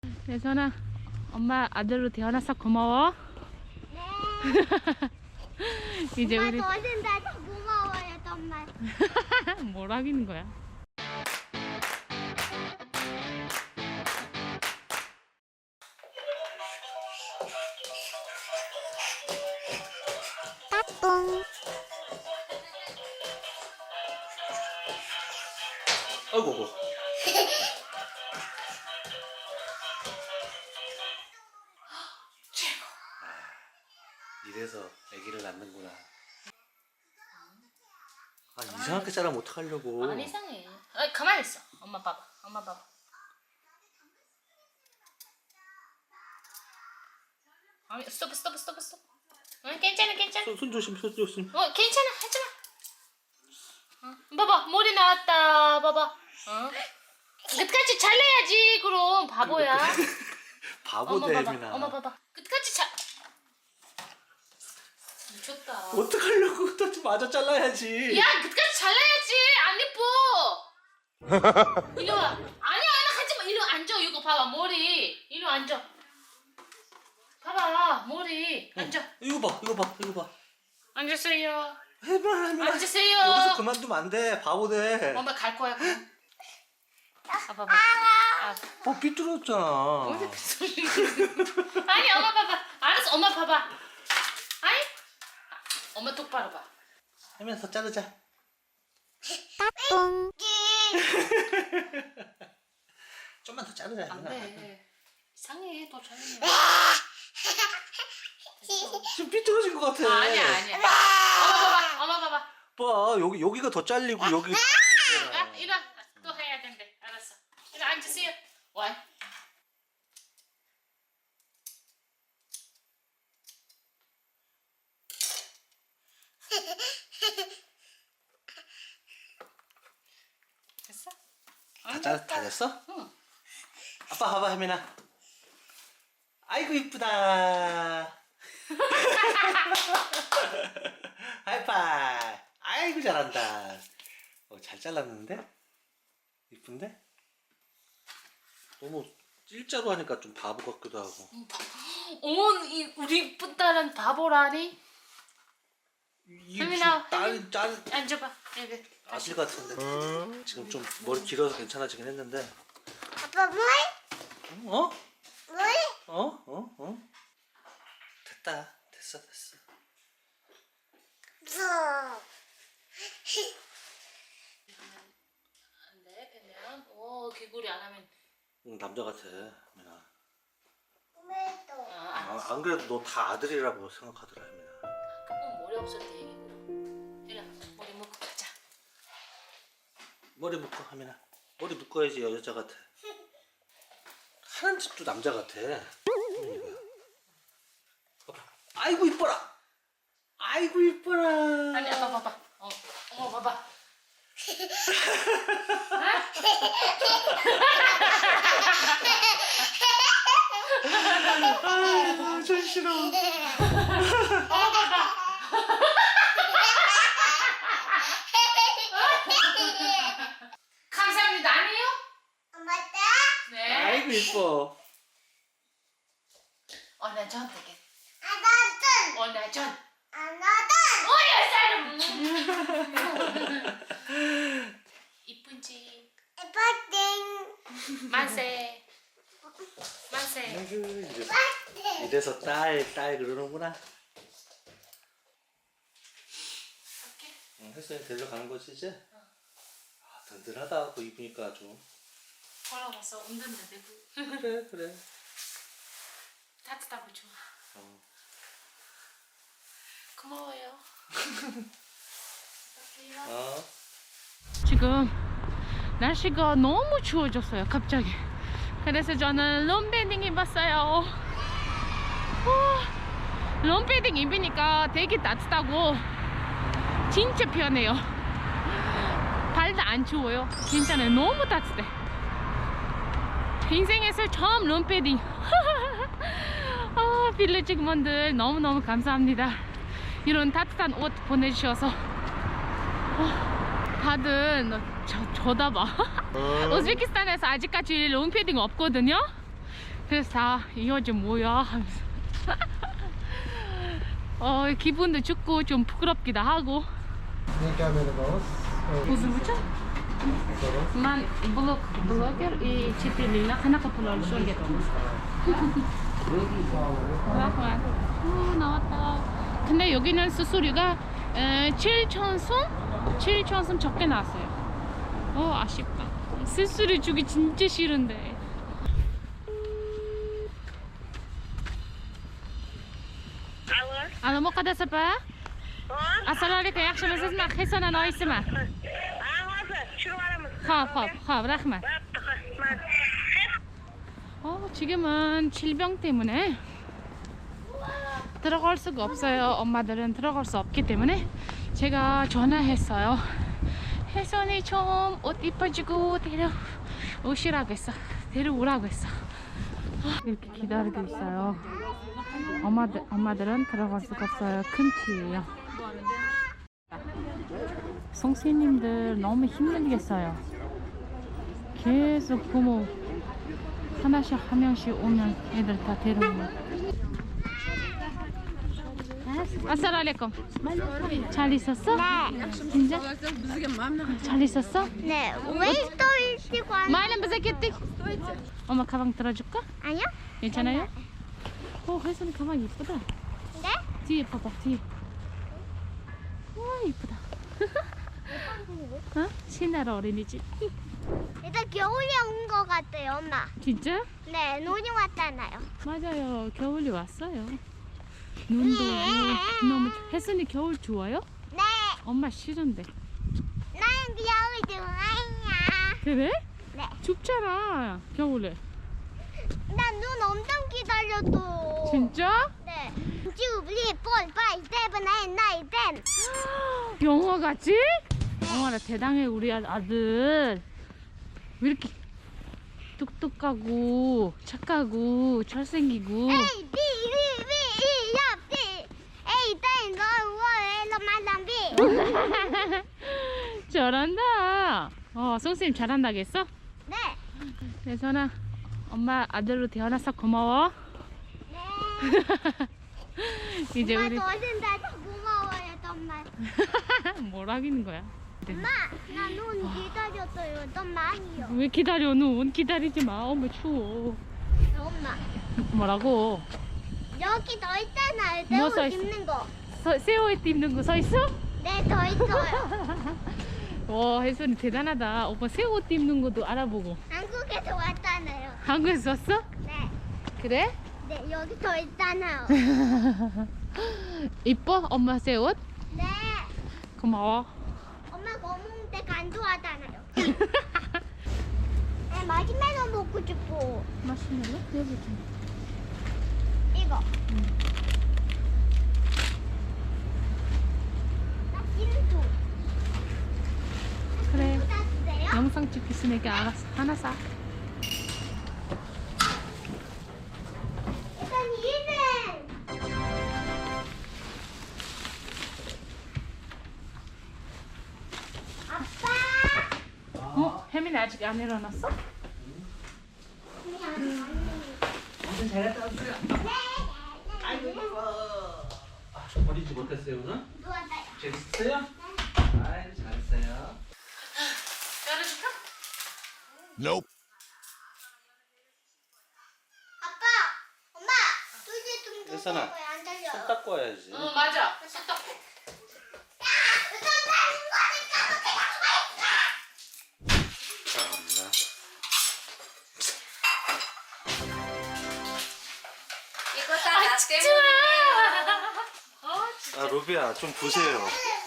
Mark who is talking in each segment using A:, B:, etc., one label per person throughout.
A: 예선아, 엄마 아들로 태어나서 고마워.
B: 네.
A: 이제
B: 엄마
A: 우리
B: 도와준다. 고마워요 정말.
A: 뭘 하기는 거야?
B: 따뚱.
C: 아이고. 이래서 아기를 낳는구나. 아, 이상하게 자라면 어떡하려고.
A: 안 이상해. 가만히 있어. 엄마 봐봐. 엄마 봐봐. 아니, 스톱. 괜찮아.
C: 손 조심.
A: 괜찮아. 하지마. 봐봐, 머리 나왔다. 봐봐. 끝까지 잘라야지. 그럼 바보야.
C: 바보
A: 엄마 봐봐.
C: 대미나.
A: 엄마 봐봐. 끝까지 미쳤다.
C: 어떡하려고 또 맞아 잘라야지.
A: 야, 끝까지 잘라야지. 안 예뻐. 이리 와. 아니야, 하지마. 이리 와, 앉아. 이거 봐봐, 머리. 이리 와, 앉아. 봐봐, 머리. 앉아.
C: 이거 봐.
A: 앉으세요.
C: 해봐.
A: 앉으세요.
C: 여기서 그만두면 안 돼. 바보 돼.
A: 엄마 갈 거야, 그럼. 봐봐.
C: 삐뚤었잖아.
A: 아니, 엄마 봐봐. 알았어, 엄마 봐봐. 아니? 엄마 똑바로 봐.
C: 하면서 자르자.
B: 따뚱.
C: 좀만 더 자르자.
A: 안 돼. 이상해, 또 잘리면.
C: 지금 삐뚤어진 것 같아.
A: 아니야. 엄마 봐봐.
C: 봐, 여기가 더 잘리고 여기.
A: 이리 와. 또 해야 된대. 알았어. 이리 앉으세요. 와. 됐어?
C: 다 됐어?
A: 응.
C: 아빠 봐봐, 혜민아. 아이고 이쁘다. 하이파이. 아이고 잘한다. 잘 잘랐는데? 이쁜데? 너무 일자로 하니까 좀 바보 같기도 하고.
A: 어머, 우리 이쁜 딸은 바보라니?
C: 이게
A: 혜민아,
C: 딸
A: 앉아봐. 여기.
C: 아들 같은데. 지금 좀 머리 길어서 괜찮아지긴 했는데.
B: 아빠 물?
C: 어?
B: 물?
C: 됐다. 됐어.
B: 물.
A: 안 돼, 빼면. 개구리 안 하면.
C: 응, 남자 같아, 혜민아.
B: 물도.
C: 안 그래도 너 다 아들이라고 생각하더라, 혜민아.
A: 그건 머리 없을 때 얘기구나. 이리 와, 머리 묶고 가자.
C: 머리 묶어, 혜민아. 머리 묶어야지 여자 같아. 하는 짓도 남자 같아. 혜민이가. 봐봐. 아이고 이뻐라.
A: 아니, 아빠 봐봐. 어머 봐봐.
C: 아, 전 싫어.
A: 감사합니다. 아니에요?
B: 맞다?
A: 네.
C: 아이고 이뻐.
A: 나 전 되게.
B: 아나든.
A: 나 전.
B: 아나든.
A: 이쁜지.
B: 에버딩.
A: 만세.
C: 아이고 이래서 딸 그러는구나.
A: 할게.
C: 응, 혜선이 데려가는 거지 이제? 아, 든든하다. 그거 입으니까 아주.
A: 걸어가서 운전도 되고.
C: 그래.
A: 따뜻하고 좋아. 고마워요. 지금 날씨가 너무 추워졌어요, 갑자기. 그래서 저는 롱패딩 입었어요. 롱패딩 입으니까 되게 따뜻하고 진짜 편해요. 발도 안 추워요. 괜찮아요. 너무 따뜻해. 인생에서 처음 롱패딩. 빌리지 분들 너무너무 감사합니다. 이런 따뜻한 옷 보내주셔서. 다들 쳐다봐. 우즈베키스탄에서 아직까지 롱패딩 없거든요. 그래서 다 이거 좀 뭐야 하면서 기분도 좋고 좀 부끄럽기도 하고.
D: Ini kamera bawah.
A: Uzun Man blogger и 4 lira 하나가 불러올 수 있겠다. 나왔다. 근데 여기는 수수료가 7,000원 적게 나왔어요. 아쉽다. 수수료 주기 진짜 싫은데. الو مقدس با السلام عليكم yaxshi siz men Hasan anoyisiman. Xo'p, rahmat. 지금은 질병 때문에 들어갈 수가 없어요. 엄마들은 들어갈 수 없기 때문에 제가 전화했어요. 혜선이 좀 옷 이뻐지고 데려오시라고 했어. 데려오라고 했어. 이렇게 기다리고 있어요. 엄마들은 들어갈 수가 없어요. 큰 키예요. 선생님들 너무 힘들겠어요. 계속 부모 하나씩 한 명씩 오면 애들 다 데려오고. 아싸라알레콤. 잘 있었어?
B: 네.
A: 진짜? 잘 있었어?
B: 네. 왜 또 일찍
A: 말은 무슨 겠지? 엄마 가방 들어줄까?
B: 아니요?
A: 괜찮아요? 혜선이 가방 이쁘다.
B: 네?
A: 뒤에 봐봐, 뒤에. 와, 이쁘다. 신나라 어린이집.
B: 일단 겨울이 온 것 같아요, 엄마.
A: 진짜?
B: 네, 눈이 왔잖아요.
A: 맞아요. 겨울이 왔어요. 눈도 오고 너무 혜선이 겨울 좋아요?
B: 네.
A: 엄마 싫은데.
B: 나는 겨울 좋아해요.
A: 그래?
B: 네.
A: 춥잖아 겨울에.
B: 난 눈 엄청 기다렸어.
A: 진짜?
B: 네. 주블리 폴파이 세븐 에잇 나인 텐.
A: 영화 같지? 영화라 대단해 우리 아들. 왜 이렇게 똑똑하고 착하고 잘생기고.
B: 에이 비 에이 땡 거
A: 잘한다. 선생님 잘한다겠어?
B: 네.
A: 혜선아 엄마 아들로 태어나서 고마워.
B: 네.
A: 이제
B: 엄마
A: 우리
B: 도와준다. 고마워요, 정말.
A: 뭐라기는 거야?
B: 엄마, 나 눈 기다렸어요. 좀 많이요.
A: 왜 기다려? 눈 기다리지 마. 엄마 추워.
B: 엄마,
A: 뭐라고?
B: 여기 더 있잖아요.
A: 뭐
B: 새우
A: 써 있어?
B: 입는 거.
A: 새 옷 입는 거 서 있어?
B: 네, 더 있어요.
A: 와 혜선이 대단하다. 오빠 새 옷 입는 것도 알아보고.
B: 한국에서 왔잖아요.
A: 한국에서 왔어?
B: 네.
A: 그래?
B: 네, 여기 더 있잖아요.
A: 이뻐? 엄마 새 옷?
B: 네.
A: 고마워.
B: 엄마 검은색 안 좋아하잖아요. 네, 마시멜로 먹고 싶어.
A: 마시멜로? 여기 좀.
B: 이거. 나 진주.
A: 그래.
B: 진주 다 주세요?
A: 영상 찍혔으니까 알았어. 하나 사.
B: 일단 이는 아빠.
A: 혜민이 아직 안 일어났어?
C: 버리지 못했어요 오늘?
B: 누웠어요.
C: 재밌었어요? 아이 잘했어요.
A: 열어줄까?
B: 아빠, 엄마, 둘째 좀
C: 혜선아,
B: 거야 안 달려.
C: 손 닦고 와야지.
A: 맞아. 손 닦고.
C: 참나.
E: 이거 다 나 때문에.
C: 아 로비야 좀 보세요.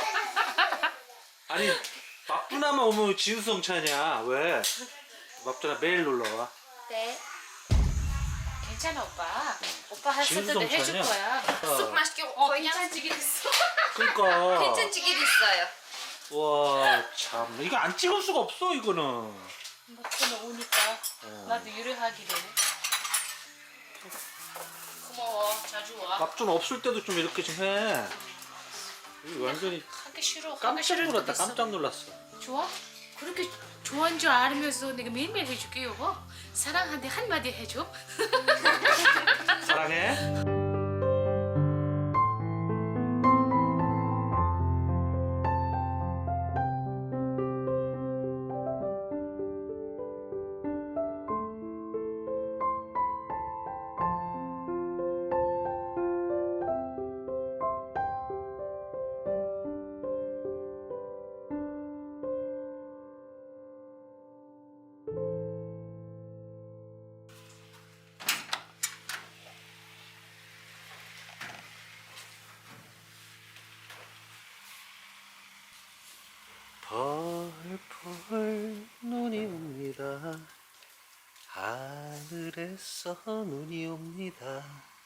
C: 아니 막두나만 오면 지우성차냐 왜? 막두나 매일 놀러와.
E: 네.
A: 괜찮아 오빠. 오빠 할 때도
C: 지우성
A: 해줄
C: 차냐?
A: 거야.
E: 쑥 맛있게
A: 괜찮지게 됐어.
C: 그러니까.
E: 괜찮지게 됐어요.
C: 와 참 이거 안 찍을 수가 없어 이거는.
A: 막두나 오니까 나도 유래하게 되네. 고마워. 자주 와.
C: 막두나 없을 때도 좀 이렇게 좀 해. 이거 완전히
A: 하기 싫어. 하기
C: 깜짝
A: 싫을
C: 놀랐다.
A: 때도 있어.
C: 깜짝 놀랐어.
A: 좋아? 그렇게 좋아하는 줄 알면서 내가 매일매일 해줄게 여보. 사랑한테 한마디 해줘.
C: 가네. 펄펄 눈이 옵니다. 하늘에서 눈이 옵니다.